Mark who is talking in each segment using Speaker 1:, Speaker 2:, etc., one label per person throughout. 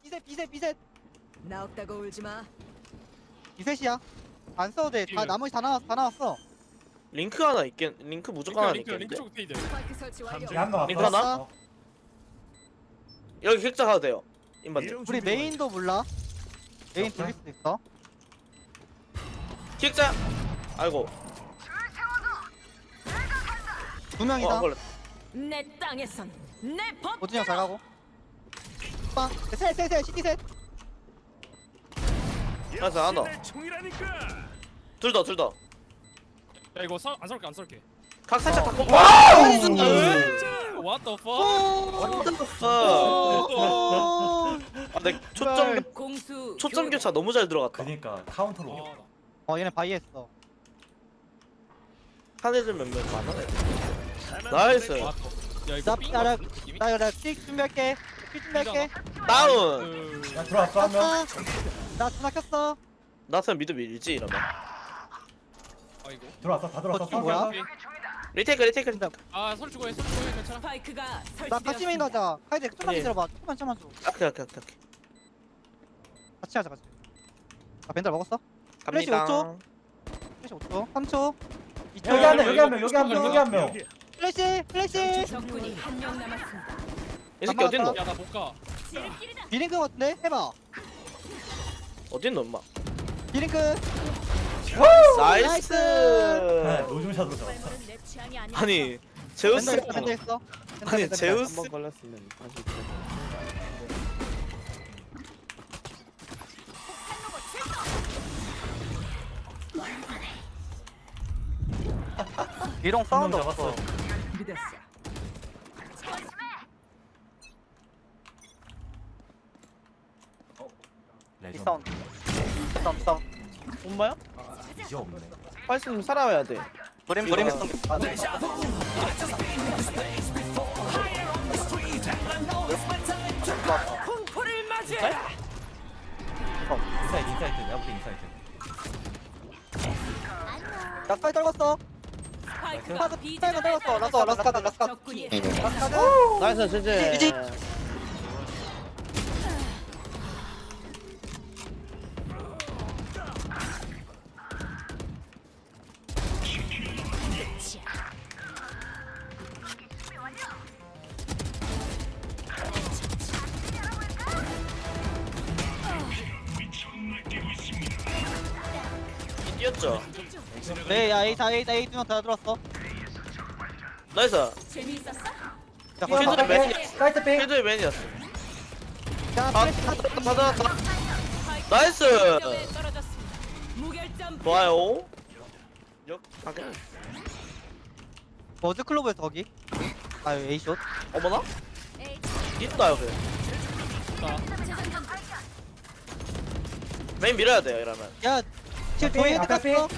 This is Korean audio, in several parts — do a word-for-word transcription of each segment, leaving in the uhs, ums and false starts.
Speaker 1: 비셋 비셋 비셋
Speaker 2: 나 없다고 울지 마.
Speaker 1: 비셋이야. 안 써도 돼. 다
Speaker 3: 예.
Speaker 1: 나머지 다 나왔어 다 나왔어.
Speaker 4: 링크 하나 있겠 링크 무조건 하나
Speaker 3: 링크 링크
Speaker 4: 있겠는데.
Speaker 3: 쪽 페이드.
Speaker 2: 스파이크 설치 완료.
Speaker 5: 한명
Speaker 4: 링크 하나?
Speaker 5: 왔어. 어.
Speaker 4: 여기 객자 가도 돼요. 인반님.
Speaker 1: 우리 메인도 몰라. 메인 돌릴 수도 있어.
Speaker 4: 객자. 아이고.
Speaker 1: 두
Speaker 4: 어,
Speaker 1: 명이다.
Speaker 4: 안 걸렸다.
Speaker 2: 내 땅에선 내 법.
Speaker 1: 오진영 잘 가고. 빵. 셋셋셋 시티 셋.
Speaker 4: 알았어, 하나 더. 둘 더, 둘 더.
Speaker 3: 야 이거 서, 안 쏠게 안 쏠게.
Speaker 4: 각 살짝 다 꼽아.
Speaker 3: What the fuck?
Speaker 4: What the fuck?
Speaker 1: 오.
Speaker 4: 아, 내 초점
Speaker 2: 공수.
Speaker 4: 초점
Speaker 2: 교대.
Speaker 4: 교차 너무 잘 들어갔다.
Speaker 5: 그니까 카운터로.
Speaker 3: 아,
Speaker 1: 어 얘네 바이했어.
Speaker 4: 한 애들 몇명 많아. 나이스.
Speaker 3: 나- 와, 야 이거
Speaker 1: 나
Speaker 3: 삥
Speaker 1: 나라
Speaker 3: 같은 느낌이?
Speaker 1: 나 이거 픽 준비할게. 픽 준비할게.
Speaker 4: 다운.
Speaker 3: 그...
Speaker 5: 야 들어왔어 한 명.
Speaker 1: 아, 나 전화 켰어.
Speaker 4: 나한테 미드 밀지 이러면.
Speaker 3: 아이고.
Speaker 5: 들어왔어 다 들어왔어.
Speaker 1: 어, 지금 뭐야?
Speaker 4: 리테이크, 리테이크.
Speaker 3: 아설 주고 해설 주고 해 괜찮아.
Speaker 2: 스파이크가
Speaker 1: 나
Speaker 2: 설치되었습니다.
Speaker 1: 같이 메인 하자. 카이드 조금만
Speaker 4: 예.
Speaker 1: 기다려봐. 조금만 참아줘.
Speaker 4: 오케이, 오케이, 오케이. 오케이.
Speaker 1: 같이 하자 같이. 아 벤달 먹었어? 플래시 오
Speaker 4: 갑니다.
Speaker 1: 초. 플래시 오 초. 삼 초. 이 초.
Speaker 5: 여기 한 명, 여기 한 명, 여기 한 명, 여기 한 명.
Speaker 1: 플래시 플래시.
Speaker 2: 적군이 한 명 남았습니다.
Speaker 4: 이 새끼 어딨노?
Speaker 3: 야 나 못 가.
Speaker 1: 비링크 같은데? 해봐.
Speaker 4: 어딨노, 엄마?
Speaker 1: 비링크.
Speaker 4: 나이스.
Speaker 5: 네, 노중샷으로 잡았어.
Speaker 2: 내 취향이 아니야.
Speaker 4: 아니, 제우스.
Speaker 1: 벤달 있어 벤달 있어. 벤달,
Speaker 4: 아니,
Speaker 1: 벤달,
Speaker 4: 제우스.
Speaker 1: 벤달.
Speaker 4: 걸렸으면 다시.
Speaker 1: 비롱 사운드
Speaker 5: 한명
Speaker 1: 없어.
Speaker 5: 잡았어.
Speaker 2: 믿었어.
Speaker 1: 이
Speaker 5: 레전드.
Speaker 1: 사운드. 이 사운드 사운드.
Speaker 4: 엄마야?
Speaker 5: 이제 없네.
Speaker 4: 팔순 살아야 돼.
Speaker 1: 브림 브림
Speaker 4: 이거.
Speaker 1: 사운드. 아, 네.
Speaker 2: 공포를 맞이해라.
Speaker 5: 인사이드, 인사이드. 내가 볼때 인사이드.
Speaker 1: 나 스파이 떨궜어.
Speaker 2: 스파이크가
Speaker 1: 파드
Speaker 2: B
Speaker 1: 스파이가
Speaker 2: 지점에
Speaker 1: 떨궜어. 라스카 라스카드 라스카.
Speaker 2: 적군이
Speaker 1: 라스카드.
Speaker 4: 나이스, 제제.
Speaker 1: 이지.
Speaker 4: 뛰었죠.
Speaker 1: 네, 야, A 다 A 다 A 두명다 들어왔어.
Speaker 4: 나이스.
Speaker 2: 재미있었어?
Speaker 1: 자,
Speaker 4: 필드
Speaker 1: 거기 봐.
Speaker 4: 맨.
Speaker 5: 사이트 빙.
Speaker 4: 필드의 맨이었어.
Speaker 1: 야,
Speaker 4: 아,
Speaker 1: 플래시 다
Speaker 4: 받아, 받아, 받아. 나이스.
Speaker 2: 점에 떨어졌습니다. 무결점.
Speaker 4: 좋아요. 역, 가게.
Speaker 1: 버즈 클로브에서 거기. 아, A 숏.
Speaker 4: 어머나? 있다 여기.
Speaker 3: 나
Speaker 4: 메인 밀어야 돼요 이러면.
Speaker 1: 야, 지금
Speaker 5: 빙,
Speaker 1: 저희 헤드
Speaker 5: 앞에 빙.
Speaker 1: 갔어.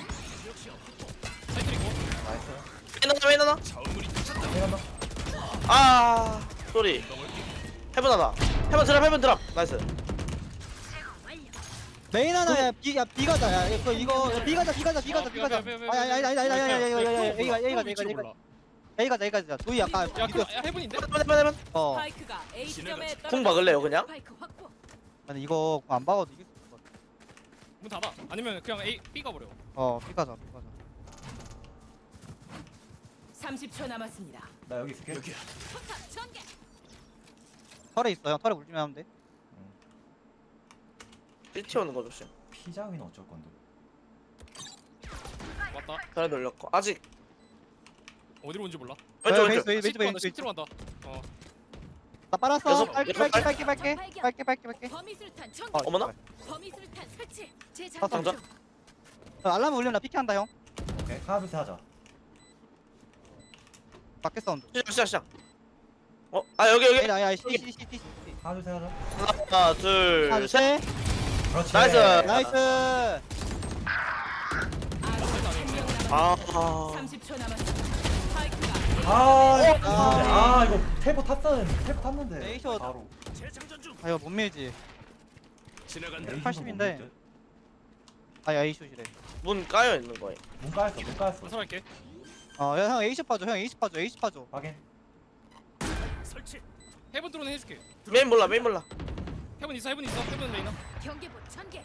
Speaker 3: 사이트 있고.
Speaker 5: 나이스.
Speaker 4: 메인 하나, 메인 하나.
Speaker 5: 빙 한 명.
Speaker 4: 아, 쏘리. 해븐 하나. 해븐 드랍, 해븐 드랍. 나이스.
Speaker 1: 메인 하나야. B 야 B 가자. 야, 이거 이거 야, B 가자. B 가자. B 가자. B 가자. 아니 아니 아니 아니 아니 아니 아니 아니 A 가 A 가자. A 가자. A 가자. A 가자. A 가자. 조이 아까
Speaker 3: 야, 그,
Speaker 1: 비교.
Speaker 3: 야 해븐인데?
Speaker 4: 해븐, 해븐, 해븐.
Speaker 1: 어.
Speaker 2: 스파이크가 A 지점에 떨어졌습니다.
Speaker 4: 공 막을래요 그냥?
Speaker 2: 스파이크 확보.
Speaker 1: 아니 이거 안 박아도 이길 수 있을 것 같아.
Speaker 3: 문 닫아. 아니면 그냥 A B 가버려.
Speaker 1: 어, B 가자. B 가자.
Speaker 2: 삼십 초 남았습니다.
Speaker 5: 나 여기 있을게.
Speaker 2: 포탑 전개.
Speaker 1: 털에 있어요. 털에 물리면 하면 돼.
Speaker 4: 삐티 오는 거 조심.
Speaker 5: 피자위는 어쩔 건데.
Speaker 3: 왔다.
Speaker 4: 전에 돌렸고. 아직.
Speaker 3: 어디로 온지 몰라.
Speaker 4: 왼쪽,
Speaker 1: 왼쪽,
Speaker 4: 왼쪽.
Speaker 1: 왼쪽, 왼쪽,
Speaker 3: 왼쪽
Speaker 1: 왼쪽.
Speaker 3: 십트로 간다. 어.
Speaker 1: 나 빨았어.
Speaker 4: 여섯,
Speaker 1: 빨게
Speaker 4: 여섯
Speaker 1: 빨게
Speaker 4: 발.
Speaker 1: 빨게 빨게 빨게 빨게 빨게.
Speaker 2: 범위술탄 전개.
Speaker 1: 어,
Speaker 4: 어머나?
Speaker 2: 범위술탄 설치.
Speaker 1: 아,
Speaker 2: 재장전
Speaker 4: 당장?
Speaker 2: 중.
Speaker 1: 어, 알람 울리면 나 피케한다 형.
Speaker 5: 오케이. 하나 둘셋 하자.
Speaker 1: 밖에 사운드.
Speaker 4: 시작, 시작, 시작. 어, 아 여기 여기.
Speaker 1: 아니 아니 C C C C C.
Speaker 5: 하나 둘셋 하자.
Speaker 4: 하나, 둘,
Speaker 1: 하나
Speaker 4: 셋.
Speaker 1: 셋.
Speaker 5: 그렇지.
Speaker 4: 나이스.
Speaker 1: 나이스.
Speaker 4: 아,
Speaker 2: 삼십 초 남았습니다. 스파이크가
Speaker 5: 아,
Speaker 2: A
Speaker 5: 이거 아, 이거 텔포 탔었는데. 텔포 탔는데.
Speaker 1: 에이쇼.
Speaker 5: 바로.
Speaker 1: 아 이거 못 밀지.
Speaker 5: 에이쇼도
Speaker 1: 팔십인데.
Speaker 5: 못 밀지.
Speaker 1: 아 A 숏이래.
Speaker 4: 문 까여 있는 거예요.
Speaker 5: 문 까였어, 문 까였어.
Speaker 3: 건설할게.
Speaker 1: 어, 야, 형 A 숏 봐줘. 형 A 숏 봐줘. A 숏 봐줘.
Speaker 5: 확인.
Speaker 3: 해븐 드론 해줄게.
Speaker 4: 메인 몰라, 메인 몰라.
Speaker 3: 해븐 있어 해븐 있어 해븐 레이나.
Speaker 2: 경계부 전개.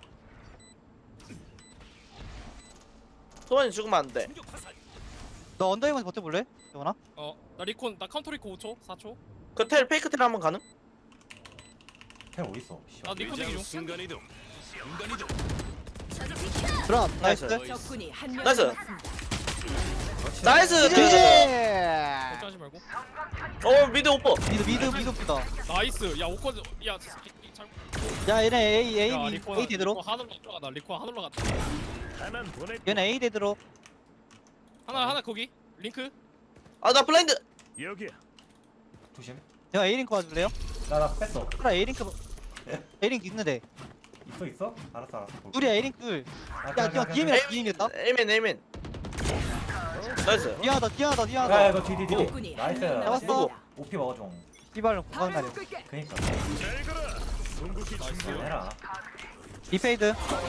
Speaker 4: 소환이 죽으면 안돼.
Speaker 1: 너 언더이먼 버텨볼래? 영원아?
Speaker 3: 어나 리콘 나 카운터 리콘 오 초 사 초.
Speaker 4: 그 텔 페이크 텔 한번 가능?
Speaker 5: 텔 어딨어?
Speaker 3: 나 리콘 대기 중.
Speaker 6: 순간이동. 순간이동.
Speaker 2: 저도 비켜.
Speaker 1: 드랍 나이스.
Speaker 2: 적군이 한명
Speaker 4: 나이스.
Speaker 2: 남았습니다.
Speaker 4: 나이스.
Speaker 1: 지지!
Speaker 3: 걱정하지 말고.
Speaker 4: 어 미드 오퍼.
Speaker 1: 미드 미드 미드 쁘다.
Speaker 3: 나이스. 야 오커 야 이- 이- 잘.
Speaker 1: 야 얘네 A A
Speaker 3: 야,
Speaker 1: A
Speaker 3: 리콘
Speaker 1: A 대드로.
Speaker 3: 리콘 하늘로 올라가다. 리콘 하늘로 갔다.
Speaker 6: 하나 보내.
Speaker 1: 얘네 A 대드로.
Speaker 3: 하나 하나 거기 링크.
Speaker 4: 아 나 블라인드.
Speaker 6: 여기야.
Speaker 5: 조심.
Speaker 1: 제가 A 링크 와줄래요?
Speaker 5: 나나 뺐어.
Speaker 1: 그래 A 링크 A 링크 있는데.
Speaker 5: 있어 있어? 알았어 알았어. 볼게.
Speaker 1: 둘이야 A 링크 둘.
Speaker 5: 아,
Speaker 1: 야
Speaker 5: 그냥,
Speaker 1: 이거
Speaker 5: 그냥,
Speaker 1: 디엠이다 디엠이었다.
Speaker 4: 에이맨 에이맨. 나이스.
Speaker 1: 디아다 디아다
Speaker 5: 그냥. 야
Speaker 1: 디아다.
Speaker 5: 이거 뒤 뒤 뒤.
Speaker 2: 적군이
Speaker 5: 나이스.
Speaker 2: 한명
Speaker 1: 잡았어.
Speaker 2: 남았습니다.
Speaker 5: 오피 먹어줘.
Speaker 1: 이발은 공간 날려.
Speaker 5: 그니까.
Speaker 6: 잘 가라. 궁극기
Speaker 3: 나이스.
Speaker 6: 준비.
Speaker 5: 해라.
Speaker 1: 디페이드.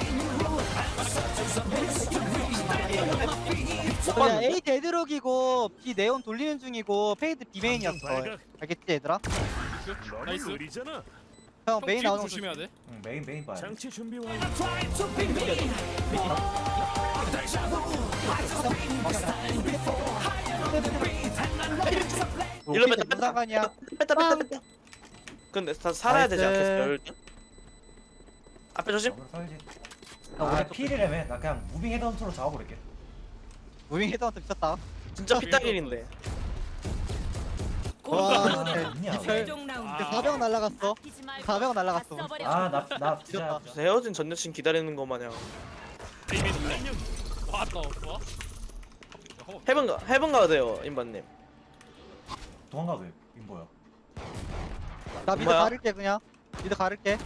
Speaker 1: 야 A 데드록이고 B 네온 돌리는 중이고 페이드 B 메인이었어.
Speaker 6: 발각.
Speaker 1: 알겠지 얘들아?
Speaker 6: 너무
Speaker 3: 나이스.
Speaker 6: 느리잖아.
Speaker 1: 형
Speaker 3: 형
Speaker 1: 메인
Speaker 3: 뒤에
Speaker 1: 나오는 거
Speaker 3: 조심해야 돼.
Speaker 5: 응 메인 메인 봐야 돼.
Speaker 6: 장치 준비 완료.
Speaker 4: 일로 뺐다,
Speaker 1: 무슨
Speaker 4: 뺐다.
Speaker 1: 상관이야?
Speaker 4: 뺐다 뺐다 뺐다. 근데 다 살아야 되지
Speaker 1: 나이스.
Speaker 4: 않겠어? 열대. 앞에 조심.
Speaker 5: 먹으러 살지.
Speaker 1: 나
Speaker 5: 아
Speaker 1: 오른쪽
Speaker 5: 필이라며. 나 그냥 무빙 헤드헌터로 잡아버릴게.
Speaker 1: 무빙 헤드한테 미쳤다.
Speaker 4: 진짜 피딱일인데.
Speaker 1: 와,
Speaker 5: 있냐?
Speaker 2: 최종 라운드.
Speaker 3: 아.
Speaker 1: 사병 날라갔어.
Speaker 2: 아끼지 말고
Speaker 1: 사병 날라갔어.
Speaker 2: 다 써버려.
Speaker 5: 아나나 진짜.
Speaker 1: 미쳤다.
Speaker 4: 무슨 헤어진 전 여친 기다리는 거 마냥.
Speaker 3: 왔다 왔어.
Speaker 4: 해븐 가 해븐 가야 돼요 임반님.
Speaker 5: 도망가 왜? 임보야.
Speaker 1: 나 미드
Speaker 4: 뭐야?
Speaker 1: 가를게 그냥. 미드 가를게.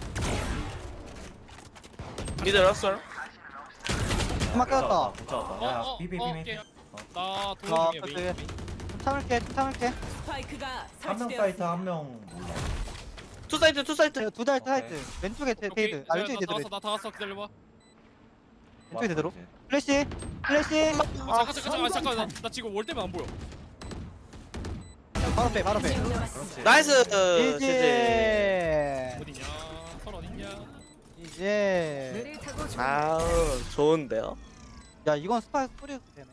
Speaker 4: 미드 라스얼.
Speaker 1: 음악 깨졌다.
Speaker 5: 못 잡았다. 야
Speaker 3: 어, 어,
Speaker 5: 비비
Speaker 3: 어,
Speaker 5: 비비.
Speaker 3: 오케이. 나
Speaker 1: 아,
Speaker 3: 도움 중이야
Speaker 1: 그치.
Speaker 3: 메인.
Speaker 1: 좀 참을게, 좀 참을게.
Speaker 2: 스파이크가
Speaker 5: 한 명 사이트
Speaker 2: 설치되었습니다.
Speaker 5: 한 명 몰라.
Speaker 4: 투 사이트 투 사이트.
Speaker 1: 두 달
Speaker 5: 오케이.
Speaker 1: 타이트. 왼쪽에 테-
Speaker 3: 오케이.
Speaker 1: 테이드. 아 왼쪽에
Speaker 3: 나
Speaker 1: 테이드.
Speaker 3: 왔어 나다 왔어 기다려봐.
Speaker 1: 왼쪽에 되도록.
Speaker 5: 이제.
Speaker 1: 플래시, 플래시.
Speaker 3: 어, 잠깐 잠깐 잠깐 잠깐 나, 나 지금 올 때면 안 보여.
Speaker 1: 바로 빼, 바로 빼.
Speaker 5: 그렇지.
Speaker 4: 나이스.
Speaker 1: 이제.
Speaker 4: 제제.
Speaker 3: 어디냐? 설 어디냐?
Speaker 1: 이제.
Speaker 4: 아우 좋은데요.
Speaker 1: 야 이건 스파이크 뿌려도 되나?